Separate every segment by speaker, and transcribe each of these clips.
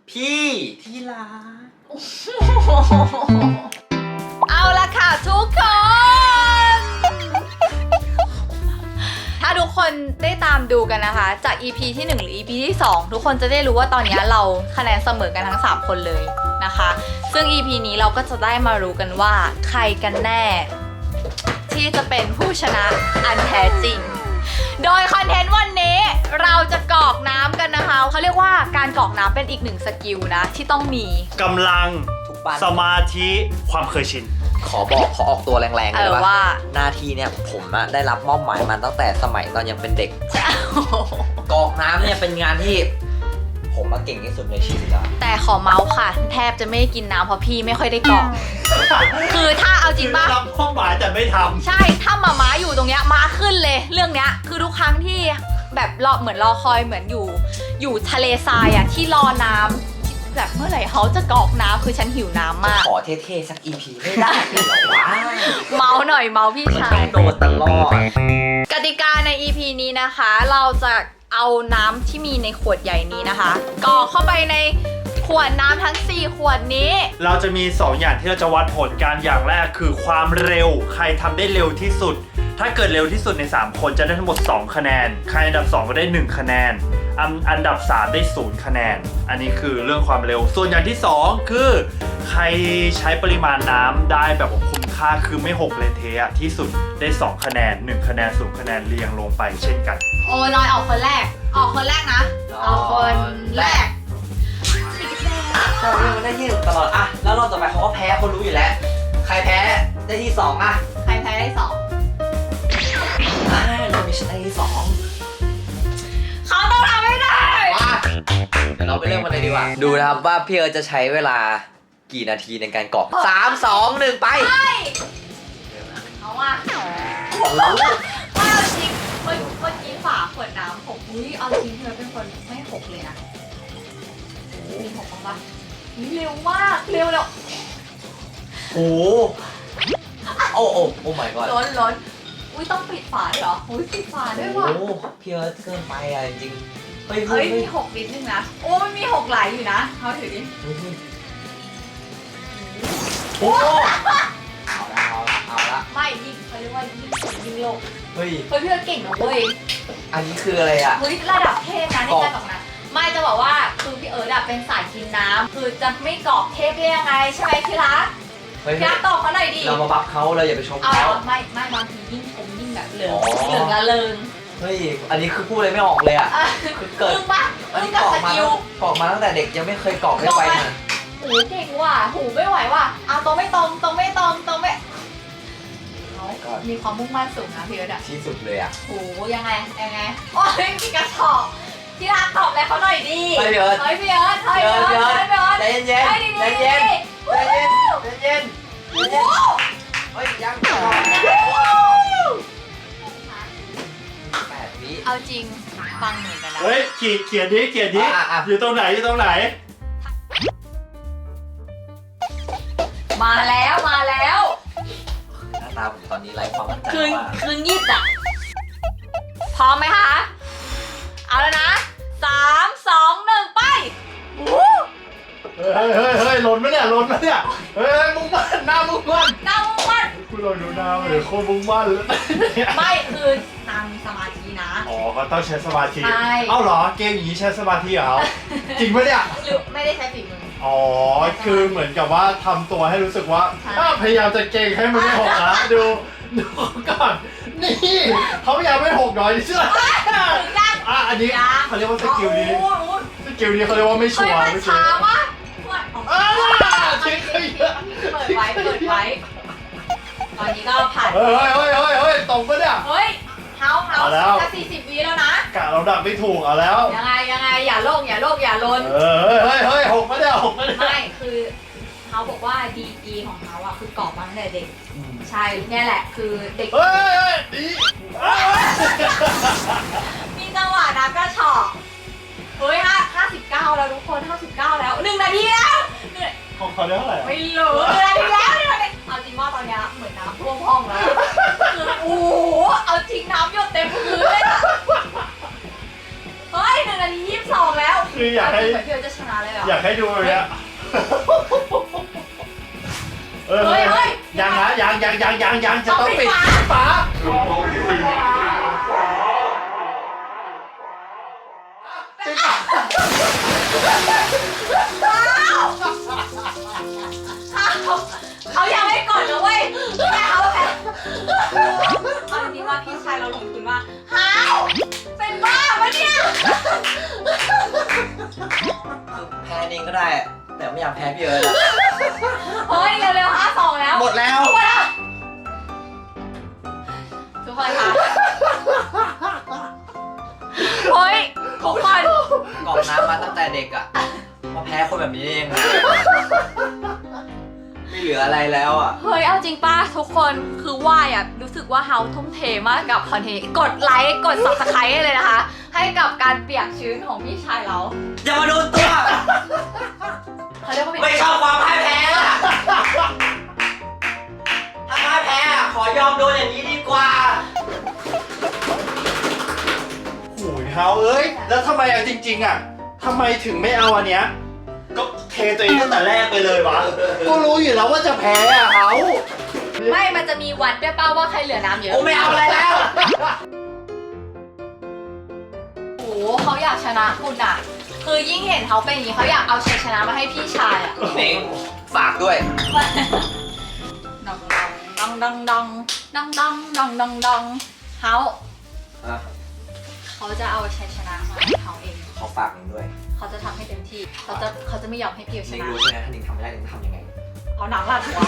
Speaker 1: พี่ที่รัก
Speaker 2: เอาละค่ะทุกคน ถ้าทุกคนได้ตามดูกันนะคะจาก EP ที่ 1 หรือ EP ที่ 2 ทุกคนจะได้รู้ว่าตอนนี้เราคะแนนเสมอกันทั้ง 3 คนเลยนะคะซึ่ง EP นี้เราก็จะได้มารู้กันว่าใครกันแน่ที่จะเป็นผู้ชนะอันแท้จริงโดยคอนเทนต์วันนี้เราจะกรอกน้ำกันนะคะเขาเรียกว่าการกรอกน้ำเป็นอีกหนึ่งสกิลนะที่ต้องมี
Speaker 3: กำลัง
Speaker 1: ทุกบ้าน
Speaker 3: สมาธิความเคยชิน
Speaker 1: ขอออกตัวแรงๆเลย
Speaker 2: ว่า
Speaker 1: หน้าที่เนี่ยผมได้รับมอบหมายมาตั้งแต่สมัยตอนยังเป็นเด็กกรอกน้ำเนี่ยเป็นงานที่ผมเก่งที่สุดในชีวิตแล้ว
Speaker 2: แต่ขอเมาส์ค่ะแทบจะไม่ได้กินน้ำเพราะพี่ไม่ค่อยได้กรอกคือถ้าเอาจริงป่ะ
Speaker 3: รับมอบหมายแต่ไม่ทำ
Speaker 2: ใช่ถ้าม้าอยู่ตรงเนี้ยม้าขึ้นเลยเรื่องเนี้ยคือทุกครั้งที่แบบรอเหมือนรอคอยเหมือนอยู่ทะเลทรายอะที่รอน้ำแบบเมื่อไหร่เขาจะกรอกน้ำคือฉันหิวน้ำมาก
Speaker 1: ขอเท่ๆสัก EP ไม่ได้เหรอวะ
Speaker 2: เมาหน่อยเมาพี่ชาย
Speaker 1: โดนตลอด
Speaker 2: กติกาใน EP นี้นะคะเราจะเอาน้ำที่มีในขวดใหญ่นี้นะคะกรอกเข้าไปในขวดน้ำทั้ง4ขวดนี้
Speaker 3: เราจะมี2อย่างที่เราจะวัดผลกันอย่างแรกคือความเร็วใครทำได้เร็วที่สุดถ้าเกิดเร็วที่สุดใน3คนจะได้ทั้งหมด2คะแนนใครอันดับ2ก็ได้1คะแนนอันดับ3ได้0คะแนนอันนี้คือเรื่องความเร็วส่วนอย่างที่2คือใครใช้ปริมาณน้ำได้แบบคุ้มค่าคือไม่หกเลยเทะที่สุดได้2คะแนน1คะแนน0คะแนนเรียงลงไปเช่นกัน
Speaker 2: โอ้น้อยออกคนแรกออกคนแรกนะออกคนแรก
Speaker 1: เรายังได้ที่1ตลอดอะแล้วรอบต่อไปเขาก็แพ้คนรู้อยู่แล้วใครแพ้ได้ที่2อะ
Speaker 2: ใครแพ้ได้2
Speaker 1: เรามีชนะที่2
Speaker 2: เขาต้องทำให้ได้
Speaker 1: เดี๋ยวเราไปเริ่มกันเลยดีกว่าดูนะครับว่าพี่เอิร์ธจะใช้เวลากี่นาทีในการกรอก3 2 1ไป
Speaker 2: เอาว่ะว่าเอาจริงเมื่อกี้ฝาขวดน้ำ6อุ้ยเอาจริงเธอเป็นคนไม่6เลยนะมี6บ้างปะเร็วมากเร็วแล้ว
Speaker 1: โอ้โอ้โอ้ my god
Speaker 2: ล้นอุ้ยต้องปิดฝาเหรออุ้ยปิดฝาด้วยว่ะ
Speaker 1: โอ้พี่เอิร์ธเกินไปอะจริง
Speaker 2: เฮ้ยมี6นิดนึงนะโอ้มันมี6ไหลอยู่นะเขาถือดิ
Speaker 1: โอ้เอาละ
Speaker 2: ไม่ยิ่งเขาเรียกว่ายิ่งโลก
Speaker 1: เฮ้ย
Speaker 2: เพื่อนเก่งนะเว้ย
Speaker 1: อันนี้คืออะไรอ่ะ
Speaker 2: เฮ้ยระดับเทพนะในการกรอกน้ำไม่จะบอกว่าคือพี่เอิร์ธเป็นสายกินน้ำคือจะไม่กรอกเทพได้ยังไงใช่ไหมพี่รักพี่รักตอบเขาหน่อยดิ
Speaker 1: เรามาบัฟเขาเราอย่าไปชมเขา
Speaker 2: ไม่บางทียิ่งชมยิ่งแบบเหลืองละเริง
Speaker 1: เฮ้ยอันนี้คือพูดอะไรไม่ออกเลยอ่ะคือเกิดอันนี้กรอกมาตั้งแต่เด็กยังไม่เคยกรอกได้ไปนะ
Speaker 2: หูเก่งว่ะหูไม่ไหวว่ะตรงไม่ตรงมีความมุ่งมั่นสูงนะพี่เอิร์ธ
Speaker 1: ที่สุดเลยอ่ะ
Speaker 2: โหยังไงโอ้ยมีกระสอบที่รักตอบอะไรเขาหน่อยดิ
Speaker 1: เฮ้ยพี่เอิร์ธใจเย็นเฮ้ยยัง8 วิ
Speaker 2: เอาจริงฟังเหมือนกันนะ
Speaker 3: เฮ้ยเขียนดิอยู่ตรงไหน
Speaker 2: มาแล้ว
Speaker 1: หน้าตาผมตอนนี้ไร้ความมั่นใจ
Speaker 2: คืนยิบอ่ะพร้อมไหมคะเอาแล้วนะ3 2 1ไป
Speaker 3: เฮ้ยหล่นไหมเนี่ยเฮ้ยมุ่งมั่นหน้ามุ่งมั่นคุณลองดูหน้าเดี๋ยวโคตรมุ่งมั่นเลย
Speaker 2: ไม่คือนางมีสมาธินะ
Speaker 3: อ๋อเขาต้องใช้สมาธิเอ้าเหรอเกมอย่างนี้ใช้สมาธิเหรอจริงปะเนี่ย
Speaker 2: หรือไม่ได้ใช้ฝีมือ
Speaker 3: อ๋อคือเหมือนกับว่าทำตัวให้รู้สึกว่าพยายามจะเก่งให้มันไม่หกนะดูก่อนนี่เขาพยายามไม่หกน้อยนี่เชื่ออันนี้เขาเรียกว่าสกิลนี้เขาเรียกว่าไม่ชัวร์
Speaker 2: ไม่ช้าวะ
Speaker 3: ทิ้ง
Speaker 2: เปิดไว้ตอนนี้ก็ผ่าน
Speaker 3: เฮ้ยตรงปะเนี่ย
Speaker 2: เฮ้ยเฮาจะ40 วิแล้วนะ
Speaker 3: กะเราดับไม่ถูกเอาแล้ว
Speaker 2: ยังไงอย่าโลกอย่าลน
Speaker 3: เฮ้ยหกปะเนี่ย
Speaker 2: ไม่คือเขาบอกว่าดีของเขาอะคือกรอบมาตั้งแต่เด็กใช่เนี่ยแหละคือเด็กมีจังหวะน้ำกระชอกเฮ้ย59แล้วทุกคน59แล้ว1 นาทีแล้ว
Speaker 3: ของเขาได้เท่าไหร่
Speaker 2: ไม่รู้1 นาทีแล้วเอาจริงว่าตอนนี้เหมือนน้ำท่วมห้องแล้วคือโอ้โหเอาจริงน้ำหยดเต็มพื้นเลยเฮ้ย1 นานนี้22แล้ว
Speaker 3: คืออยากให้
Speaker 2: เหมือนพี่เอิร์ธจะชนะเลยเหรอ
Speaker 3: อยากให้ดูเลยอะเฮ้ยยังนะยังจะต้องปิดฝาปิดฝา
Speaker 2: เขายังไม่กดนะเว้ยแต่เขาแพ้เอาจริงๆว่าพี่ชายเราลงทุนว่าฮาวเป็นบ้าปะเนี่ย
Speaker 1: แพ้เองก็ได้ แต่ไม่อยากแพ้พี่เอิร์ธอะ
Speaker 2: เฮ้ยเร็วๆ5-2แล้ว
Speaker 1: หมดแล้ว
Speaker 2: ทุกคนคะเฮ้ยทุกคน
Speaker 1: กรอกน้ำมาตั้งแต่เด็กอะมาแพ้คนแบบนี้เองอะไม่เหลืออะไรแล้วอะ
Speaker 2: เฮ้ยเอาจริงป้าทุกคนคือว่ายอ่ะรู้สึกว่าเฮาทุ่มเทมากกับคอนเทนต์กดไลค์กด subscribe เลยนะคะ ให้กับการเปียกชื้นของพี่ชายเรา
Speaker 1: อย่ามาโดนตัว
Speaker 2: เขาเรียกว่า
Speaker 1: ไม่ชอบความพ่ายแพ้อะถ้าพ่ายแพ้อะขอยอมโดนอย่างนี้ดีกว่า
Speaker 3: โอ้ยเฮาเอ้ยแล้วทำไมอะจริงๆอะทำไมถึงไม่เอาอันเนี้ยก็เทตัวเองตั้งแต่แรกไปเลยวะก็รู้อยู่แล้วว่าจะแพ้อะเฮา
Speaker 2: ไม่มันจะมีวัดด้วยป้าว่าใครเหลือน้ำเยอะ
Speaker 1: กูไม่เอาอะไรแล้ว
Speaker 2: โอ้โหเขาอยากชนะคุณอ่ะ คือยิ่งเห็นเขาเป็นอย่างนี้เขาอยากเอาชัยชนะมาให้พี่ชายอ่ะ
Speaker 1: เน่งฝากด้วย
Speaker 2: ดองดองดองดองดองดองดองดองดองเขา
Speaker 1: อ่ะ
Speaker 2: เขาจะเอาชัยชนะมาให้เขาเอง
Speaker 1: เขาฝากเน่งด้วย
Speaker 2: เขาจะทำให้เต็มที่เขาจะไม่ยอมให้พี่ช
Speaker 1: เน่ง
Speaker 2: นะ
Speaker 1: รู้ใช่ไหมถ้าเน่งทำไม่ได้เน่งทำยังไง
Speaker 2: เอาหนังลาดหัว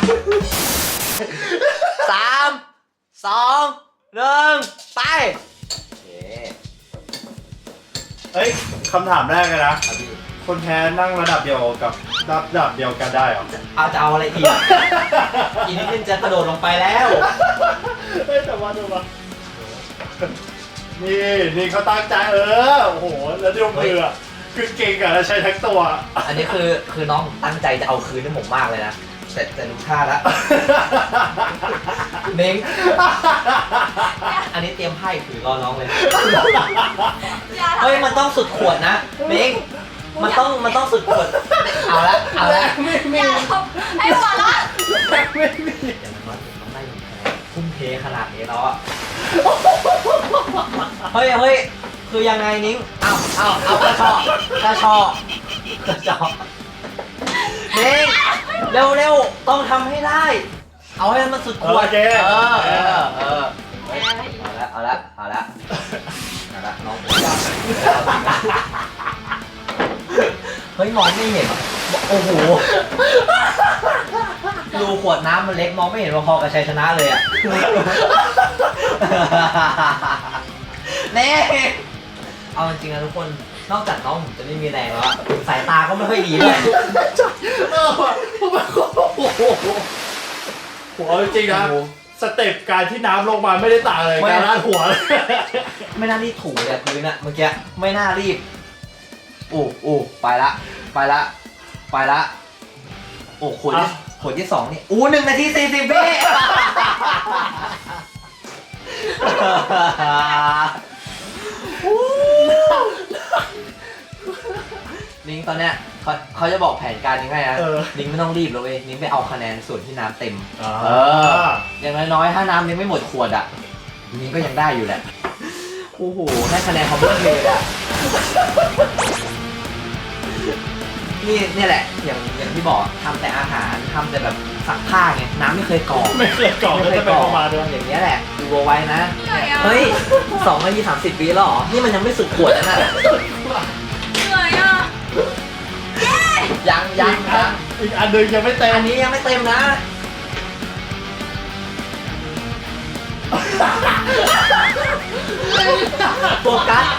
Speaker 1: 3 2 1 ไปเย้
Speaker 3: เอ้ยคำถามแรกเลยนะ
Speaker 1: ครับพี่
Speaker 3: คนแพ้นั่งระดับเดียวกับระดับเดียวกันได้เหรอ
Speaker 1: จะเอาอะไรอีก อีกนิดนึงจะกระโดดลงไปแล้ว
Speaker 3: เฮ้ยแต่ว่าดูมานี่เขาตั้งใจโอ้โหแล้วดูมืออะคือเก่งอะแล้วใช้ทั้งตัว
Speaker 1: อันนี้คือน้องผมตั้งใจจะเอาคืนให้ผมมากเลยนะแต่รู้ท่าแล้วเน้งอันนี้เตรียมไพ่ถือรอน้องเลย เฮ้ยมันต้องสุดขวดนะเน้งมันต้องสุดขวด เอาละ
Speaker 2: อย่าทำให้หัวละ
Speaker 3: ไม่มี
Speaker 1: อย่างน้อยผมต้องได้หนึ่งคะแนนทุ่มเทขนาดนี้แล้วอะเฮ้ยคือยังไงนิ้งเอากระชอกเน้งเร็วต้องทำให้ได้ เอาให้มันสุดขวดเอาละน้องเฮ้ยมองไม่เห็นโอ้โหรูขวดน้ำมันเล็กมองไม่เห็นว่าพอกับชัยชนะเลยอ่ะเน่เอาจริงๆนะทุกคนนอกจากน้องผมจะไม่มีแรงแล้วสายตาก็ไม่ค่อยดีเลย
Speaker 3: หัวจริงๆนะสเต็ปการที่น้ำลงมาไม่ได้ต่างเลยการลาดหัว
Speaker 1: ไม่น่ารีบถูเลยพื้นอะเมื่อกี้ไม่น่ารีบไปละโอ้ขวดที่2นี่1 นาที 40 วินิ้งตอนเนี้ยเขาจะบอกแผนการยังไงนะนิ้งไม่ต้องรีบเลยเว้ยนิ้งไปเอาคะแนนส่วนที่น้ำเต็มอย่างน้อยๆถ้าน้ำยังไม่หมดขวดอ่ะนิ้งก็ยังได้อยู่แหละโอ้โหได้คะแนนเขาเพิ่มเลยอ่ะนี่แหละอย่างที่บอกทำแต่อาหารทำแต่แบบซักผ้าไงน้ำไม่เคยกรอก
Speaker 3: ไม่เคยกรอกแล้วจะไปประมาณด้วย
Speaker 1: อย่างเงี้ยแหละดูเอาไว้นะเฮ้ย2 นาที 30 วิแล้วเหรอนี่มันยังไม่สุดขวดนะ
Speaker 2: เหนื่อยอ่ะ
Speaker 1: ยัง
Speaker 3: อีกอันหนึ่งยังไม่เต็ม
Speaker 1: อันนี้ยังไม่เต็มนะโฟกัส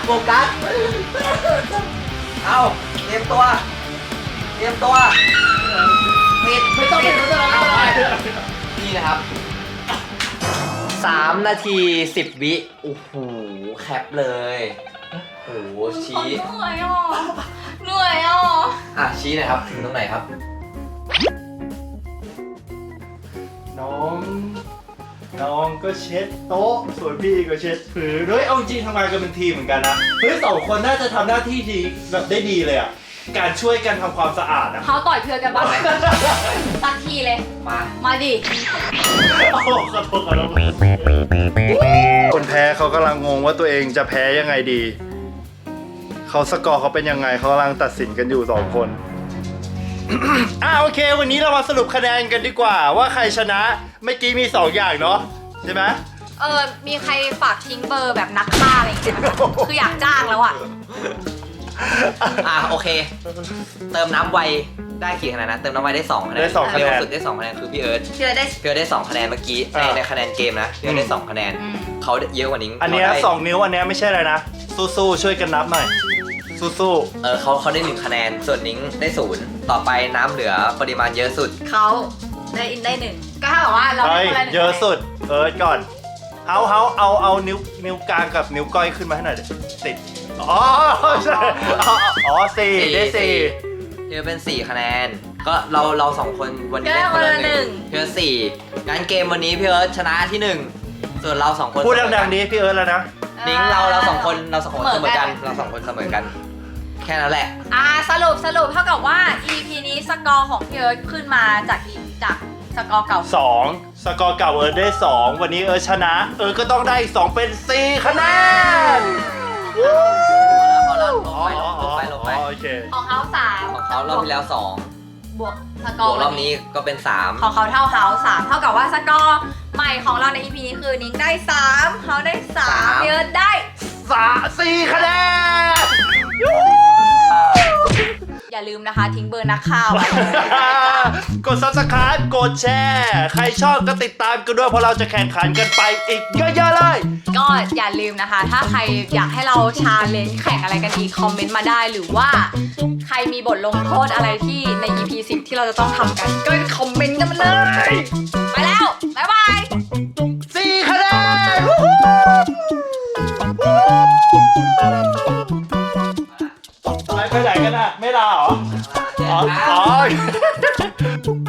Speaker 1: เอาเตรียมตัวปิด
Speaker 3: ไม่ต้องเป็นแล้ว
Speaker 1: เอาไปนี่นะครับ3 นาที 10 วิโอ้โหแคปเลยโอ้โหชี้
Speaker 2: เหนื่อยอ่ะ
Speaker 1: ชี้หน่อยครับถึงตรงไหนครับ
Speaker 3: น้องน้องก็เช็ดโต๊ะส่วนพี่ก็เช็ดพื้นเฮ้ยเอาจริงทำงานกันเป็นทีมเหมือนกันนะเฮ้ย2 คนน่าจะทำหน้าที่ดีแบบได้ดีเลยอ่ะการช่วยกันทำความสะอาดนะ
Speaker 2: เขาต่อยเพื่อนกันบ้างไหมสักทีเลย มาดิ
Speaker 3: โอ้ขอโทษคนแพ้เขากำลังงงว่าตัวเองจะแพ้ยังไงดีเขาสกอร์เขาเป็นยังไงเขากำลังตัดสินกันอยู่2 คน โอเค วันนี้เรามาสรุปคะแนนกันดีกว่าว่าใครชนะเมื่อกี้มี2 อย่างเนาะใช่ไหม
Speaker 2: มีใครฝากทิ้งเบอร์แบบนักฆ่าอะไรอย่างเงี้ยไหมคะคืออยากจ้างแล้วอ่ะ
Speaker 1: โอเค เติมน้ำไวได้กี่คะแนนนะเติมน้ำไวได้2คะแนน
Speaker 3: ได้2คะแนน
Speaker 1: เร็วสุดได้2คะแนนคือพี่เอิร์ธ
Speaker 2: เชื่อได้
Speaker 1: พี่เอิร์ธได้2คะแนนเมื่อกี้ในคะแนนเกมนะพี่เอิร์ธได้2คะแนน
Speaker 2: อืม
Speaker 1: เขาเยอะกว่านิ้ง
Speaker 3: อันเนี้ย
Speaker 1: เขาได้
Speaker 3: 2 นิ้วอันเนี้ยไม่ใช่อะไรนะสู้ๆช่วยกันนับหน่อยสู้
Speaker 1: เขาได้1คะแนนส่วนนิ้งได้0ต่อไปน้ำเหลือปริมาณเยอะสุด
Speaker 2: เขาได้หนึ่งก็ถ้าบอกว่า
Speaker 3: ๆ
Speaker 2: เรา
Speaker 3: เฮ้
Speaker 2: ได้
Speaker 3: ย
Speaker 2: คนละหนึ่ง
Speaker 3: เยอะสุดก่อนเอานิ้วกลางกับนิ้วก้อยขึ้นมาให้หน่อยดิติดอ๋อใช่อ๋อ4ได้4
Speaker 1: พี่เอิร์ธเป็น4คะแนนก็เรา2คนวันนี้ได้คนละ1พี่เอิร์ธ4งั้นเกมวันนี้พี่เอิร์ธชนะที่1ส่วนเรา2คน
Speaker 3: พูดดังๆนี้พี่เอิร์ธแล้วนะ
Speaker 1: นิ้งเราสองคนเสมอกันเรา2คนเสมอกัน แค่นั้นแหละ
Speaker 2: สรุปเท่ากับว่า EP นี้สกอร์ของพี่เอิร์ธขึ้นมาจากสกอร์เก่า
Speaker 3: 2 สกอร์เก่าเอิร์ธได้ 2 วันนี้เอิร์ธชนะก็ต้องได้อีก2เป็น4คะแนน
Speaker 1: พอแล้วลงไป
Speaker 3: โอเค
Speaker 2: ของเขา3
Speaker 1: ของเขารอบที่แล้ว
Speaker 2: บวกสก
Speaker 1: 2
Speaker 2: อบ
Speaker 1: ว
Speaker 2: ร์
Speaker 1: กรอบนี้ก็เป็น3
Speaker 2: ของเขาเท่าเขา3เท่ากับว่าสกอร์ใหม่ของเราใน EP นี้คือนิ้งได้3เขาได้3พี่เอิร์ธได้
Speaker 3: 4คะแนน
Speaker 2: อย่าลืมนะคะทิ้งเบอร์นักข่าวไว้
Speaker 3: กด subscribe กดแชร์ ใครชอบก็ติดตามกันด้วยเพราะเราจะแข่งขันกันไปอีกเยอะๆเลย
Speaker 2: ก็อย่าลืมนะคะ ถ้าใครอยากให้เราชาเลนจ์แข่งอะไรกันอีกคอมเมนต์มาได้หรือว่าใครมีบทลงโทษอะไรที่ใน EP 10 ที่เราจะต้องทำกัน ก็คอมเมนต์กันมาเลย ไปแล้ว บ๊ายบาย
Speaker 3: 4คะแนนไปไหนกันอ่ะ ไม่ลาเหรอ อ๋อ